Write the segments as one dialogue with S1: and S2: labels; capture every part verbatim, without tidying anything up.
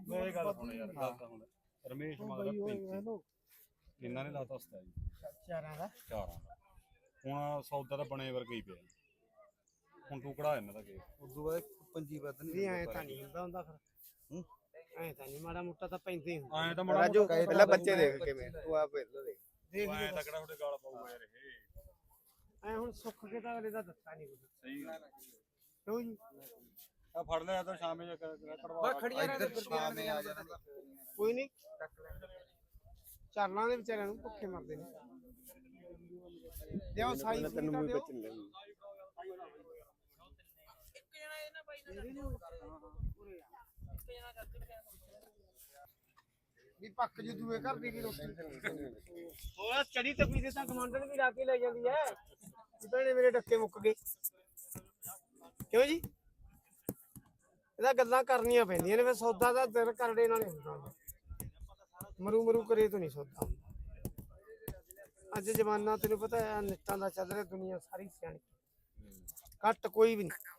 S1: ਇਹ ਗੱਲ ਹੁਣ ਯਾਰ ਗੱਲ ਤਾਂ ਹੁਣ ਰਮੇਸ਼ ਮਗਰ ਪੈਂਤੀ ਇਹਨਾਂ ਨੇ ਲਾਤਾ ਸਤਾਈ
S2: ਚਾਰਾਂ ਦਾ
S1: ਚਾਰਾਂ ਦਾ ਹੁਣ ਸੌਦਾ ਤਾਂ ਬਣੇ ਵਰਗਾ ਹੀ ਪਿਆ ਹੁਣ ਤੂੰ ਕਢਾ ਇਹਨਾਂ ਦਾ ਕੇ
S3: ਉਦੋਂ ਬਾਅਦ ਪੰਜੀ ਵੱਧ
S2: ਨਹੀਂ ਐ ਤਾਂ ਨਹੀਂ ਹੁੰਦਾ ਹੁੰਦਾ ਫਿਰ ਐ ਤਾਂ ਨਹੀਂ ਮਾੜਾ ਮੋਟਾ ਤਾਂ ਪੈਂਦੇ ਹੀ
S1: ਐਂ ਤਾਂ ਮਾੜਾ
S3: ਰਾਜੂ ਪਹਿਲਾਂ ਬੱਚੇ ਦੇਖ ਕਿਵੇਂ ਤੂੰ ਆਪ ਪਹਿਲਾਂ ਦੇਖ
S2: ਦੇਖ
S1: ਐਂ ਤਾਂ ਕਿਹੜਾ ਤੁਹਾਡੇ ਗਾਲ ਪਾਊਗਾ ਯਾਰ ਇਹ
S2: ਐ ਹੁਣ ਸੁੱਖ ਕੇ ਤਾਂ ਅਗਲੇ ਦਾ ਦੱਸਾ ਨਹੀਂ ਕੁਝ
S1: ਸਹੀ
S2: ਕਿਉਂ ਜੀ
S1: ਆ ਫੜ ਲਿਆ ਤਾਂ ਸ਼ਾਮੇ ਜਾ ਕਢਵਾ
S3: ਬਸ ਖੜੀਆਂ ਇੱਧਰ ਸ਼ਾਮੇ ਆ ਜਾਣਾ
S2: ਕੋਈ ਨਹੀਂ ਚਾਲਾਂ ਦੇ ਵਿਚਾਰਿਆਂ ਨੂੰ ਭੁੱਖੇ ਮਰਦੇ ਨੇ ਦਿਓ ਸਾਈ
S3: ਤੈਨੂੰ
S2: ਤਾਂ
S3: ਮੂੰਹ
S2: ਦਿਓ
S3: ਵਿੱਚ ਲੈ
S2: ਵੀ ਪੱਕ ਜੂ ਦੂਏ ਘਰ ਦੀ ਵੀ ਰੋਟੀ ਹੋਰ ਚੜੀ ਤਪੀ ਦੇ ਤਾਂ ਕਮਾਂਡਰ ਵੀ ਲਾ ਕੇ ਲੈ ਜਾਂਦੀ ਐ ਭੈਣੇ ਮੇਰੇ ਡੱਕੇ ਮੁੱਕ ਗਏ ਕਿਉਂ ਜੀ ਇਹਦਾ ਗੱਲਾਂ ਕਰਨੀਆਂ ਪੈਂਦੀਆਂ ਨੇ ਫਿਰ ਸੌਦਾ ਦਾ ਦਿਲ ਕਰੜੇ ਨਾਲ ਹੁੰਦਾ ਮਰੂ ਮਰੂ ਕਰੇ ਤੋਂ ਨਹੀਂ ਸੌਦਾ ਅੱਜ ਜ਼ਮਾਨਾ ਤੈਨੂੰ ਪਤਾ ਹੈ ਨਿੱਤਾਂ ਦਾ ਚੱਲ ਰਿਹਾ ਦੁਨੀਆ ਸਾਰੀ ਸਿਆਣੀ ਘੱਟ ਕੋਈ ਵੀ ਨਹੀਂ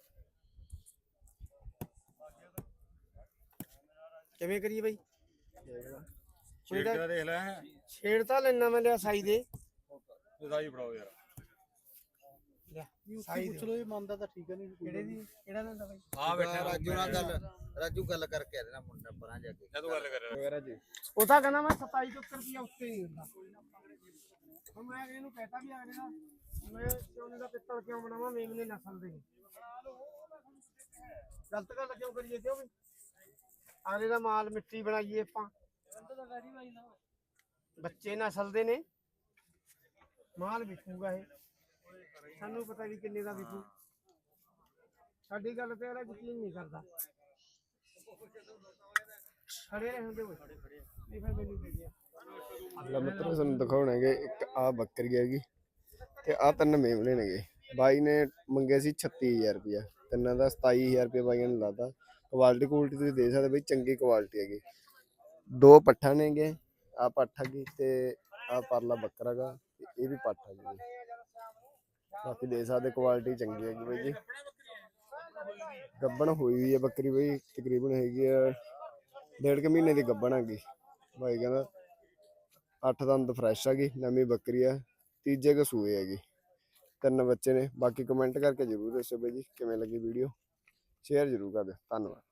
S2: ਕਿਵੇਂ ਕਰੀਏ ਬਾਈ
S1: ਛੇੜ ਕੇ ਦੇਖ ਲੈ
S2: ਛੇੜ ਤਾਂ ਲੈਣਾ ਮੈਂ ਲਿਆ ਸਾਈ ਦੇ
S1: ਸਾਈ ਫੜਾਓ ਯਾਰ
S2: ਸਾਈ
S3: ਪੁੱਛ ਲੋ ਇਹ ਮੰਨਦਾ ਤਾਂ ਠੀਕ ਨਹੀਂ
S2: ਕਿਹੜੇ ਦੀ ਕਿਹੜਾ ਲੈਂਦਾ ਬਾਈ
S1: ਆ ਬੈਠਾ
S3: ਰਾਜੂ ਨਾਲ ਗੱਲ ਰਾਜੂ ਗੱਲ ਕਰਕੇ ਆ ਰਿਹਾ ਮੁੰਡਾ ਪਰਾਂ ਜਾ ਕੇ
S1: ਤੂੰ ਗੱਲ ਕਰ
S3: ਰਾਜੂ
S2: ਉਹ ਤਾਂ ਕਹਿੰਦਾ ਮੈਂ ਸਤਾਈ ਸੌ ਰੁਪਇਆ ਉੱਤੇ ਨਹੀਂ ਹੁੰਦਾ ਹੁਣ ਮੈਂ ਇਹਨੂੰ ਕਹਿਤਾ ਵੀ ਅਗਲੇ ਦਾ ਮੈਂ ਸੋਨੇ ਦਾ ਪਿੱਤਲ ਕਿਉਂ ਬਣਾਵਾਂ ਮੇਮਨੇ ਨਸਲ ਦੇ ਗਲਤ ਗੱਲ ਕਿਉਂ ਕਰੀਏ ਕਿਉਂ ਵੀ ਅਗਲੇ ਦਾ ਮਾਲ ਮਿੱਟੀ ਬਣਾਈਏ ਆਪਾਂ ਬੱਚੇ ਨਸਲ ਦੇ ਨੇ ਮਾਲ ਵਿਕੂਗਾ ਇਹ ਸਾਨੂੰ ਪਤਾ ਵੀ ਕਿੰਨੇ ਦਾ ਵਿਕੂ ਸਾਡੀ ਗੱਲ ਤੇ ਅਗਲਾ ਯਕੀਨ ਨਹੀਂ ਕਰਦਾ ਖੜੇ ਰਹੇ ਹੁੰਦੇ ਹੋਏ ਨਹੀਂ ਫਿਰ ਮੈਨੂੰ ਦੇ ਦਿਆ
S3: ਲੈ ਮਿੱਤਰੋ ਤੁਹਾਨੂੰ ਦਿਖਾਉਣਗੇ ਇੱਕ ਆ ਬੱਕਰੀ ਹੈਗੀ ਤੇ ਆ ਤਿੰਨ ਮੇਮਣੇ ਨੇਗੇ ਬਾਈ ਨੇ ਮੰਗੇ ਸੀ ਛੱਤੀ ਹਜ਼ਾਰ ਰੁਪਇਆ ਤਿੰਨਾਂ ਦਾ ਸਤਾਈ ਹਜ਼ਾਰ ਰੁਪਇਆ ਬਾਈਆਂ ਨੇ ਲਾਤਾ ਕੁਆਲਿਟੀ ਕੁਆਲਿਟੀ ਤੁਸੀਂ ਦੇਖ ਸਕਦੇ ਬਈ ਚੰਗੀ ਕੁਆਲਿਟੀ ਹੈਗੀ ਦੋ ਪੱਠਾ ਨੇਗੇ ਆ ਪੱਠ ਹੈਗੀ ਤੇ ਆ ਪਰਲਾ ਬੱਕਰਾ ਗਾ ਇਹ ਵੀ ਪੱਠ ਹੈਗੀ ਬਾਕੀ ਦੇਖ ਸਕਦੇ ਕੁਆਲਿਟੀ ਚੰਗੀ ਹੈਗੀ ਬਾਈ ਜੀ ਗੱਬਣ ਹੋਈ ਹੋਈ ਹੈ ਬੱਕਰੀ ਬਈ ਤਕਰੀਬਨ ਹੈਗੀ ਆ ਡੇਢ ਕੁ ਮਹੀਨੇ ਦੀ ਗੱਬਣ ਹੈਗੀ ਬਾਈ ਕਹਿੰਦਾ ਅੱਠ ਦੰਦ ਫਰੈਸ਼ ਹੈਗੀ ਨਵੀਂ ਬੱਕਰੀ ਆ ਤੀਜੇ ਕੁ ਸੂਏ ਹੈਗੀ ਤਿੰਨ ਬੱਚੇ ਨੇ ਬਾਕੀ ਕਮੈਂਟ ਕਰਕੇ ਜ਼ਰੂਰ ਦੱਸੋ ਬਾਈ ਜੀ ਕਿਵੇਂ ਲੱਗੀ ਵੀਡੀਓ ਸ਼ੇਅਰ ਜ਼ਰੂਰ ਕਰ ਦਿਓ ਧੰਨਵਾਦ।